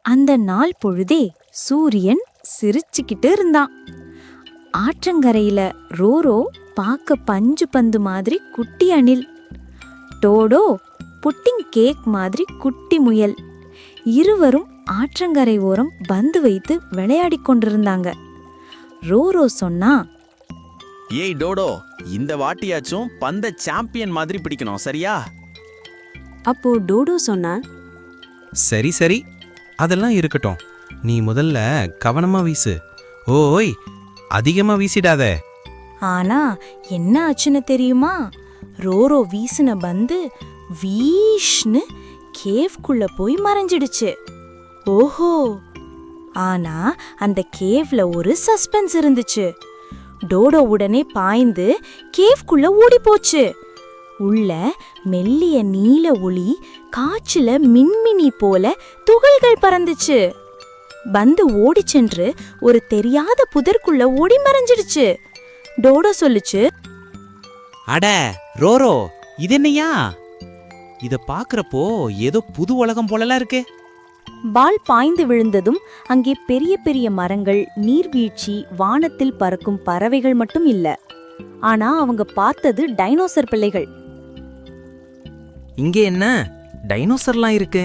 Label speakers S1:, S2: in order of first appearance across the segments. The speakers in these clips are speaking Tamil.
S1: அந்த நாள் பொழுதே சூரியன் சிரிச்சுக்கிட்டு இருந்தான். ஆற்றங்கரையில ரோரோ பார்க்க பஞ்சு பந்து மாதிரி குட்டி அணில், டோடோ புட்டிங் கேக் மாதிரி குட்டி முயல். இருவரும் ஆற்றங்கரை ஓரம் பந்து வைத்து விளையாடிக் கொண்டிருந்தாங்க. ரோரோ சொன்னா,
S2: ஏய் டோடோ, இந்த வாட்டியாச்சும் பந்த சாம்பியன் மாதிரி பிடிக்கணும், சரியா?
S1: அப்போ டோடோ சொன்னான்,
S3: சரி சரி, அதெல்லாம் இருக்கட்டும். நீ முதல்ல கவனமா வீசு. ஓய், அதிகமா வீசிடாத.
S1: ஆனா என்ன ஆச்சுன்னு தெரியுமா? ரோரோ வீசின பந்து வீஷ்னு கேவ்க்குள்ள போய் மறைஞ்சிடுச்சு. ஓஹோ! ஆனா அந்த கேவ்ல ஒரு சஸ்பென்ஸ் இருந்துச்சு. டோடோ உடனே பாய்ந்து கேவ்க்குள்ள ஓடி போச்சு. உள்ள மெல்லிய நீல ஒளி காற்றுல மின்மினி போல துகள்கள் பறந்துச்சு. பந்து ஓடி சென்று ஒரு தெரியாத புதற்குள்ள ஓடி மறைஞ்சிடுச்சு. டோடோ சொல்லுச்சு,
S4: அட ரோரோ, இது என்னையா? இத பாக்குறப்போ ஏதோ புது உலகம் போலலாம் இருக்கு.
S1: பால் பாய்ந்து விழுந்ததும் அங்கே பெரிய பெரிய மரங்கள், நீர்வீழ்ச்சி, வானத்தில் பறக்கும் பறவைகள் மட்டும் இல்ல. ஆனா அவங்க பார்த்தது டைனோசர் பிள்ளைகள்.
S5: இங்கே என்ன டைனோசர்லாம் இருக்கு?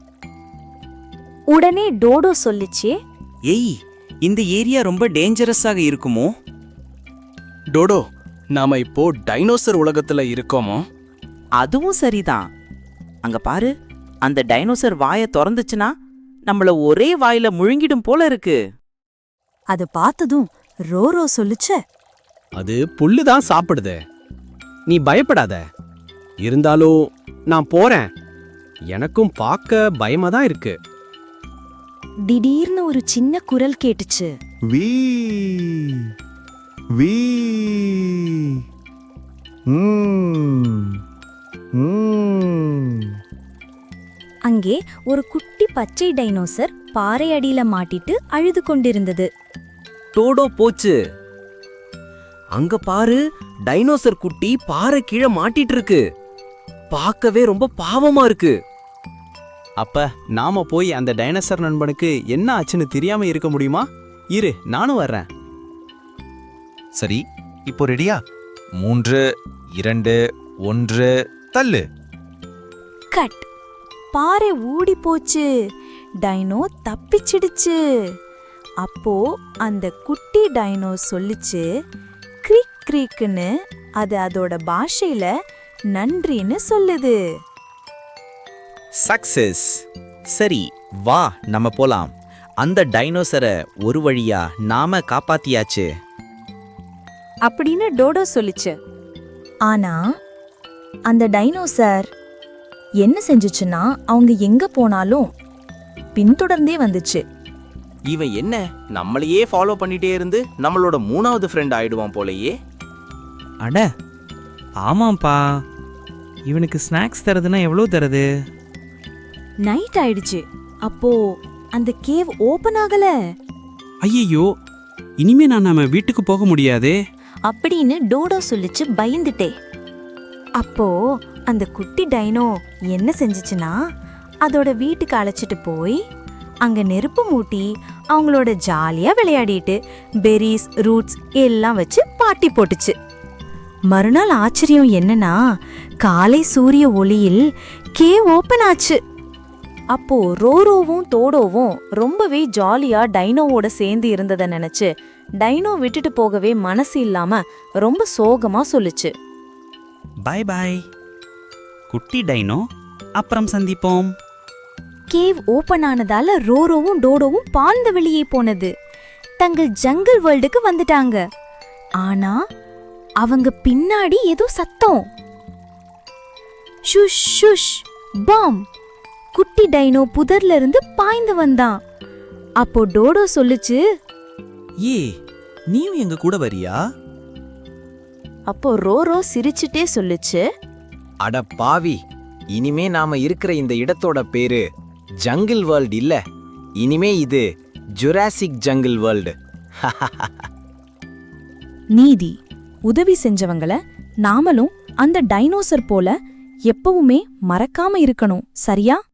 S1: உடனே டோடோ சொல்லிச்சு,
S5: ஏய், இந்த ஏரியா ரொம்ப டேஞ்சரஸாக இருக்குமோ?
S2: டோடோ, நாம இப்போ டைனோசர் உலகத்துல இருக்கோமோ?
S4: அதுவும் சரிதான். அங்க பாரு, அந்த டைனோசர் வாயை திறந்துச்சுன்னா நம்மள ஒரே வாயில முழுங்கிடும் போல இருக்கு.
S1: அது பார்த்ததும் ரோரோ சொல்லுச்சு,
S6: அது புல்லுதான் சாப்பிடுது. நீ பயப்படாத. இருந்தாலும் நான் போறேன். எனக்கும் பார்க்க பயமா தான் இருக்கு.
S1: திடீர்னு ஒரு சின்ன குரல் கேட்டுச்சு.
S7: வீ வீ
S1: அங்கே ஒரு குட்டி பச்சை டைனோசர் பாறை அடியில மாட்டிட்டு அழுது கொண்டிருந்தது.
S5: டோடோ போச்சு. அங்க பாரு, டைனோசர் குட்டி பாறை கீழே மாட்டிட்டு இருக்கு. பார்க்கவே ரொம்ப பாவமா இருக்கு.
S3: அப்ப நாம போய் அந்த டைனோசர் நண்பனுக்கு என்ன ஆச்சுன்னு தெரியாம இருக்க முடியுமா? இரு, நானும் வர்றேன்.
S8: சரி, இப்போ ரெடியா? 3, 2, 1, தள்ளு.
S1: கட்! பாறை ஊடி போச்சு. டைனோ தப்பிச்சிடுச்சு. அப்போ அந்த குட்டி டைனோ சொல்லிச்சு, கிரீக் கிரீக்குன்னு. அது அதோட பாஷையில நன்றின்னு சொல்லுது.
S4: சக்சஸ். சரி, வா நம்ம போலாம். அந்த டைனோசரை ஒரு வழியா நாம காப்பாத்தியாச்சு
S1: அப்படின்னு டோடோ சொல்லிச்சு. ஆனா அந்த டைனோசர் என்ன செஞ்சுச்சுன்னா, அவங்க எங்க போனாலும் பின்தொடர்ந்தே வந்துச்சு.
S5: இவன் என்ன நம்மளையே ஃபாலோ பண்ணிட்டே இருந்து நம்மளோட 3வது ஃப்ரெண்ட் ஆயிடுவான் போலயே.
S3: அட ஆமாப்பா, இவனுக்கு ஸ்நாக்ஸ் தரதுன்னா எவ்வளோ தருது?
S1: நைட் ஆயிடுச்சு. அப்போ அந்த கேவ் ஓபன் ஆகல.
S6: ஐயோ, இனிமே நம்ம வீட்டுக்கு போக முடியாதே.
S1: அப்படின்னு டோடோ சொல்லிச்சு பயந்துட்டே. அப்போ அந்த குட்டி டைனோ என்ன செஞ்சுச்சுன்னா, அதோட வீட்டுக்கு அழைச்சிட்டு போய் அங்க நெருப்பு மூட்டி அவங்களோட ஜாலியா விளையாடிட்டு பெரிஸ், ரூட்ஸ் எல்லாம் வச்சு பார்ட்டி போட்டுச்சு. மறுநாள் ஆச்சரியம் என்னன்னா, காலை சூரிய ஒளியில் கேவ் ஓபன் ஆச்சு. அப்போ ரோரோவும் டோடோவும் ரொம்பவே ஜாலியா டைனோவோட சேர்ந்து இருந்ததை நினைச்சு டைனோ விட்டுட்டு போகவே மனசு இல்லாம ரொம்ப சோகமா சொல்லுச்சு.
S4: பாய் பாய் குட்டி டைனோ, அப்புறம் சந்திப்போம்.
S1: கேவ் ஓபன் ஆனதால ரோரோவும் டோடோவும் பாழ்ந்த வெளியே போனது. தங்கள் ஜங்கிள் வேர்ல்டுக்கு வந்துட்டாங்க. ஆனா அவங்க பின்னாடி ஏதோ சத்தம். ஷுஷ் ஷுஷ் பாம்! குட்டி டைனோ புதர்ல இருந்து பாய்ந்து வந்தான். அப்போ டோடோ சொல்லுச்சு,
S5: ஏ, நீயும் எங்க கூட வரியா?
S1: அப்போ ரோரோ சிரிச்சுட்டே சொல்லுச்சு,
S5: அட பாவி, இனிமே நாம இருக்கிற இந்த இடத்தோட பேரு ஜங்கிள் வேர்ல்ட் இல்ல. இனிமே இது ஜுராசிக் ஜங்கிள் வேர்ல்டு.
S1: நீதி. உதவி செஞ்சவங்கள நாமளும் அந்த டைனோசர் போல எப்பவுமே மறக்காம இருக்கணும், சரியா?